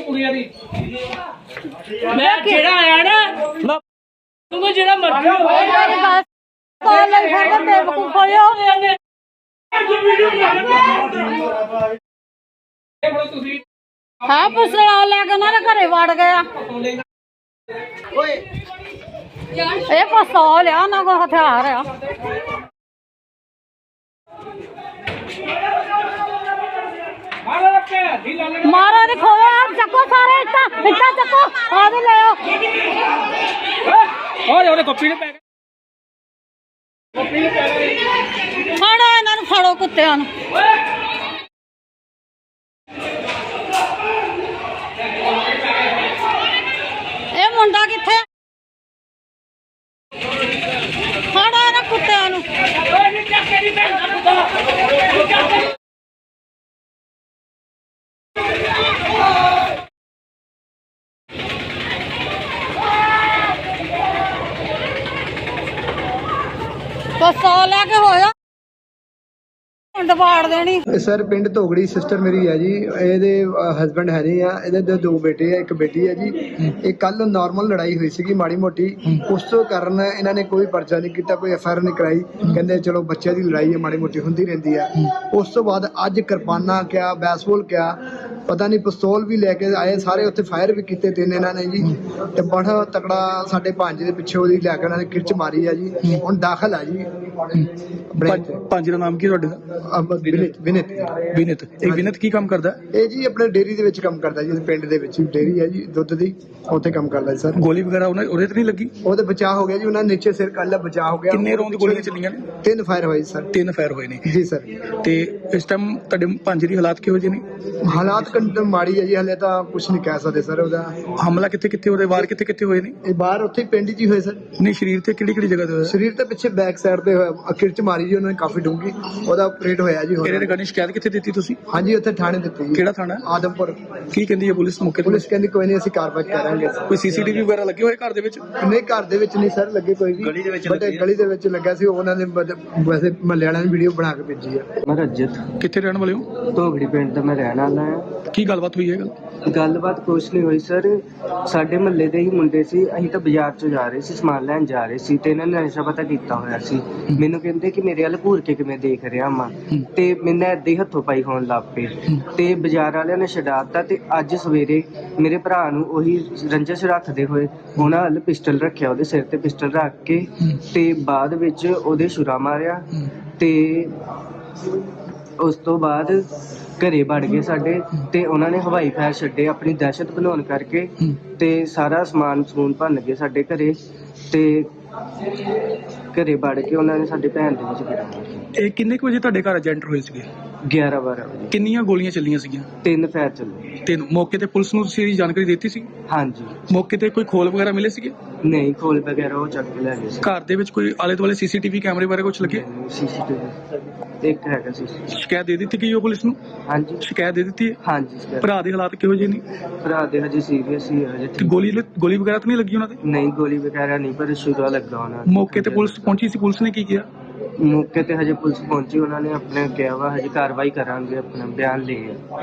ਕੁੜੀਆਂ ਦੀ ਮੈਂ ਜਿਹੜਾ ਆਇਆ ਨਾ ਤੂੰ ਜਿਹੜਾ ਮਰਜ਼ੀ ਕੋਲ ਲੈ ਫੜ ਬੇਵਕੂਫ ਹੋਇਆ ਤੁਸੀਂ ਹਾਂ ਪੁੱਛਣਾ ਲੈ ਕੇ ਉਹਨਾਂ ਦੇ ਘਰੇ ਵੜ ਗਿਆ ਇਹ ਪਿਸਤੌਲ ਆ ਉਹਨਾਂ ਕੋਲ ਹਥਿਆਰ ਆ ਮਾਰਾ ਨੇ ਖੋਇਆ ਚੱਕੋ ਸਾਰੇ ਇੱਟਾਂ ਚੱਕੋ ਆ ਵੀ ਲਿਓ ਓਏ ਉਹਨੇ ਕਾਪੀ ਨੇ ਪੈ ਗਿਆ ਫੜੋ ਇਹਨਾਂ ਨੂੰ ਫੜੋ ਕੁੱਤਿਆਂ ਨੂੰ ਇਹ ਮੁੰਡਾ ਕਿੱਥੇ ਫੜੋ ਇਹਨਾਂ ਕੁੱਤਿਆਂ ਨੂੰ ਪਿਸਤੌਲ ਲੈ ਕੇ ਹੋਇਆ ਦਵਾੜ ਦੇਣੀ ਸਰ ਪਿੰਡ ਧੋਗੜੀ ਸਿਸਟਰ ਮੇਰੀ ਹੈ ਜੀ ਇਹਦੇ ਹਸਬੈਂਡ ਹੈ ਨਹੀਂ ਆ ਇਹਦੇ ਦੋ ਬੇਟੇ ਆ ਇੱਕ ਬੇਟੀ ਹੈ ਜੀ ਇਹ ਕੱਲ ਨਾਰਮਲ ਲੜਾਈ ਹੋਈ ਸੀਗੀ ਮਾੜੀ ਮੋਟੀ ਉਸ ਤੋਂ ਕਾਰਨ ਇਹਨਾਂ ਨੇ ਕੋਈ ਪਰਚਾ ਨਹੀਂ ਕੀਤਾ ਕੋਈ ਐਫਆਈਆਰ ਨਹੀਂ ਕਰਾਈ ਕਹਿੰਦੇ ਚਲੋ ਬੱਚਿਆਂ ਦੀ ਲੜਾਈ ਹੈ ਮਾੜੀ ਮੋਟੀ ਹੁੰਦੀ ਰਹਿੰਦੀ ਆ ਉਸ ਤੋਂ ਬਾਅਦ ਅੱਜ ਕਿਰਪਾਨਾਂ ਕਿਆ ਬੈਸਬਾਲ ਕਿਆ ਪਤਾ ਨਹੀਂ ਪਿਸਤੌਲ ਵੀ ਲੈ ਕੇ ਆਏ ਸਾਰੇ ਉੱਥੇ ਫਾਇਰ ਵੀ ਕੀਤੇ ਤਿੰਨ ਇਹਨਾਂ ਨੇ ਜੀ ਤੇ ਬੜਾ ਤਕੜਾ ਸਾਡੇ ਪੰਜ ਦੇ ਪਿੱਛੇ ਉਹਦੀ ਲੈ ਕੇ ਉਹਨਾਂ ਨੇ ਕਿਰਚ ਮਾਰੀ ਆ ਜੀ ਹੁਣ ਦਾਖਲ ਆ ਜੀ ਪੰਜ ਦਾ ਨਾਮ ਕੀ ਤੁਹਾਡੇ ਦਾ ਵਿਨਿਤ ਇਹ ਵਿਨਿਤ ਕੀ ਕੰਮ ਕਰਦਾ ਇਹ ਜੀ ਆਪਣੇ ਡੇਅਰੀ ਦੇ ਵਿੱਚ ਕੰਮ ਕਰਦਾ ਜੀ ਪਿੰਡ ਦੇ ਵਿੱਚ ਡੇਅਰੀ ਹੈ ਜੀ ਦੁੱਧ ਦੀ ਉੱਥੇ ਕੰਮ ਕਰਦਾ ਜੀ ਸਰ ਗੋਲੀ ਵਗੈਰਾ ਉਹਦੇ ਤੇ ਨਹੀਂ ਲੱਗੀ ਉਹਦੇ ਬਚਾਅ ਹੋ ਗਿਆ ਜੀ ਉਹਨਾਂ ਨੀਚੇ ਸਿਰ ਕੱਲ ਬਚਾਅ ਹੋ ਗਿਆ ਕਿੰਨੇ ਰੌਂਦ ਗੋਲੀਆਂ ਚੱਲੀਆਂ ਨੇ 3 ਫਾਇਰ ਹੋਏ ਸਰ 3 ਫਾਇਰ ਹੋਏ ਨੇ ਜੀ ਸਰ ਤੇ ਇਸ ਟਾਈਮ ਤੁਹਾਡੇ ਪੰਜ ਦੀ ਹਾਲਾਤ ਕਿਹੋ ਜਿਹੇ ਨੇ ਹਾਲਾਤ ਕੰਡ ਮਾੜੀ ਹੈ ਜੀ ਹਲੇ ਤਾਂ ਕੁਝ ਨਹੀਂ ਕਹਿ ਸਕਦੇ ਸਰ ਉਹਦਾ ਹਮਲਾ ਕਿੱਥੇ ਉਹਦੇ ਵਾਰ ਕਿੱਥੇ ਹੋਏ ਨੇ ਇਹ ਬਾਹਰ ਉੱਥੇ ਪਿੰਡ 'ਚ ਹੀ ਹੋਏ ਸਰ ਨਹੀਂ ਸਰੀਰ ਤੇ ਕਿਹੜੀ ਜਗ੍ਹਾ ਤੇ ਹੋਇਆ ਸਰੀਰ ਤੇ ਪਿੱਛੇ ਬੈਕ ਸਾਈਡ ਤੇ ਹੋਇਆ ਕਿਰਚ ਮਾਰੀ ਜੀ ਉਹਨਾਂ ਨੇ ਕਾਫੀ ਡੂੰਗੀ ਉਹਦਾ ਆਪਰੇਟ ਹੋਇਆ ਜੀ ਇਹਦੇ ਰਿਗਾਰਡਿੰਗ ਸ਼ਿਕਾਇਤ ਕਿੱਥੇ ਦਿੱਤੀ ਤੁਸੀਂ ਹਾਂਜੀ ਉੱਥੇ ਥਾਣੇ ਦਿੱਤੀ ਜੀ ਕਿਹੜਾ ਥਾਣਾ ਆਦਮਪੁਰ ਕੀ ਕਹਿੰਦੀ ਹੈ ਪੁਲਿਸ ਮੌਕੇ ਤੇ ਪੁਲਿਸ ਕਹਿੰਦੀ ਕੋਈ ਨਹੀਂ ਅਸੀਂ ਕਾਰਵਾਈ ਕਰਾਂਗੇ ਕੋਈ ਸੀਸੀਟੀਵੀ ਵਗੈਰਾ ਲੱਗੇ ਹੋਏ ਘਰ ਦੇ ਵਿੱਚ ਨਹੀਂ ਘਰ ਦੇ ਵਿੱਚ ਨਹੀਂ ਸਰ ਲੱਗੇ ਕੋਈ ਵੀ ਗਲੀ ਦੇ ਵਿੱਚ ਲੱਗਾ ਸੀ ਉਹਨਾਂ ਨੇ ਵੈਸੇ ਮਹੱਲੇ ਵਾਲਿਆਂ ਨੇ ਵੀਡੀਓ ਬਣਾ ਕੇ ਭੇਜੀ ਆ ਮੈਂ ਰਜਤ ਕਿੱਥੇ ਰਹਿਣ ਵਾਲੇ ਹੋ ਧੋਗੜੀ ਪਿੰਡ ਦਾ ਮੈਂ ਰਹਿਣ ਵਾਲਾ ਹਾਂ ਕੀ ਗੱਲਬਾਤ ਹੋਈ ਹੈ ਗੱਲਬਾਤ ਕੁਛ ਨਹੀਂ ਹੋਈ ਸਰ ਸਾਡੇ ਮਹੱਲੇ ਦੇ ਹੀ ਮੁੰਡੇ ਸੀ ਅਸੀਂ ਤਾਂ ਬਾਜ਼ਾਰ ਚੋਂ ਜਾ ਰਹੇ ਸੀ ਸਮਾਨ ਲੈਣ ਜਾ ਰਹੇ ਸੀ ਤੇ ਇਹਨਾਂ ਨੇ ਨਸ਼ਾ ਪਤਾ ਕੀਤਾ ਹੋਇਆ ਸੀ ਮੈਨੂੰ ਕਹਿੰਦੇ ਕਿ ਮੇਰੇ ਵੱਲ ਘੂਰ ਕੇ ਕਿਵੇਂ ਦੇਖ ਰਿਹਾ ਮਾਂ ਤੇ ਮੈਨੂੰ ਏਦਾਂ ਹੀ ਹੱਥੋਂ ਪਾਈ ਹੋਣ ਲੱਗ ਪਏ ਤੇ ਬਾਜ਼ਾਰ ਵਾਲਿਆਂ ਨੇ ਛਡਾਤਾ ਤੇ ਅੱਜ ਸਵੇਰੇ ਮੇਰੇ ਭਰਾ ਨੂੰ ਉਹੀ ਰੰਜਿਸ਼ ਰੱਖਦੇ ਹੋਏ ਉਹਨਾਂ ਵੱਲ ਪਿਸਟਲ ਰੱਖਿਆ ਉਹਦੇ ਸਿਰ ਤੇ ਪਿਸਟਲ ਰੱਖ ਕੇ ਤੇ ਬਾਅਦ ਵਿੱਚ ਉਹਦੇ ਛੁਰਾ ਮਾਰਿਆ ਤੇ ਉਸ ਤੋਂ ਬਾਅਦ ਘਰੇ ਵੜ ਗਏ ਸਾਡੇ ਤੇ ਉਹਨਾਂ ਨੇ ਹਵਾਈ ਫਾਇਰ ਛੱਡੇ ਆਪਣੀ ਦਹਿਸ਼ਤ ਬਣਾਉਣ ਕਰਕੇ ਤੇ ਸਾਰਾ ਸਮਾਨ ਭੰਨ ਗਏ ਸਾਡੇ ਘਰੇ ਤੇ ਘਰੇ ਵੜ ਕੇ ਉਹਨਾਂ ਨੇ ਸਾਡੇ ਭੈਣ ਦੇ ਵਿੱਚ ਗਿਰਾ ਇਹ ਕਿੰਨੇ ਕੁ ਵਜੇ ਤੁਹਾਡੇ ਘਰ ਏਜੰਟ ਹੋਏ ਸੀਗੇ 11-12 ਵਜੇ ਕਿੰਨੀਆਂ ਗੋਲੀਆਂ ਚੱਲੀਆਂ ਸੀਗੀਆਂ 3 ਫਾਇਰ ਚੱਲੇ ਤੇ ਮੌਕੇ ਤੇ ਪੁਲਿਸ ਨੂੰ ਤੁਸੀਂ ਜਾਣਕਾਰੀ ਦਿੱਤੀ ਸੀ ਹਾਂਜੀ ਮੌਕੇ ਤੇ ਕੋਈ ਖੋਲ ਵਗੈਰਾ ਮਿਲੇ ਸੀਗੇ ਨਹੀਂ ਖੋਲ ਵਗੈਰਾ ਉਹ ਚੱਕ ਕੇ ਲੈ ਗਏ ਸੀ ਘਰ ਦੇ ਵਿੱਚ ਕੋਈ ਆਲੇ ਦੁਆਲੇ ਸੀਸੀਟੀਵੀ ਕੈਮਰੇ ਬਾਰੇ ਕੁਝ ਲੱਗੇ ਸੀਸੀਟੀਵੀ ਇੱਕ ਹੈਗਾ ਸੀ ਸ਼ਿਕਾਇਤ ਦੇ ਦਿੱਤੀ ਗਈ ਉਹ ਪੁਲਿਸ ਨੂੰ ਹਾਂਜੀ ਸ਼ਿਕਾਇਤ ਦੇ ਦਿੱਤੀ ਹੈ ਹਾਂਜੀ ਸਰ ਭਰਾ ਦੇ ਹਾਲਾਤ ਕਿਹੋ ਜਿਹੇ ਨੇ ਭਰਾ ਦੇ ਹਜੇ ਸੀਰੀਅਸ ਹੀ ਹਜੇ ਤੇ ਗੋਲੀ ਵਗੈਰਾ ਤਾਂ ਨਹੀਂ ਲੱਗੀ ਉਹਨਾਂ ਤੇ ਨਹੀਂ ਗੋਲੀ ਵਗੈਰਾ ਨਹੀਂ ਪਰ ਛੁਰਾ ਲੱਗਾ ਉਹਨਾਂ ਨੂੰ। ਮੌਕੇ ਤੇ ਪੁਲਿਸ ਪਹੁੰਚੀ ਸੀ ਪੁਲਿਸ ਨੇ ਕੀ ਕੀਤਾ ਮੌਕੇ ਤੇ ਹਜੇ ਪੁਲਿਸ ਪਹੁੰਚੀ ਉਹਨਾਂ ਨੇ ਆਪਣੇ ਕਿਹਾ ਵਾ ਹਜੇ ਕਾਰਵਾਈ ਕਰਾਂਗੇ ਆਪਣਾ ਬਿਆਨ ਲਏ ਆ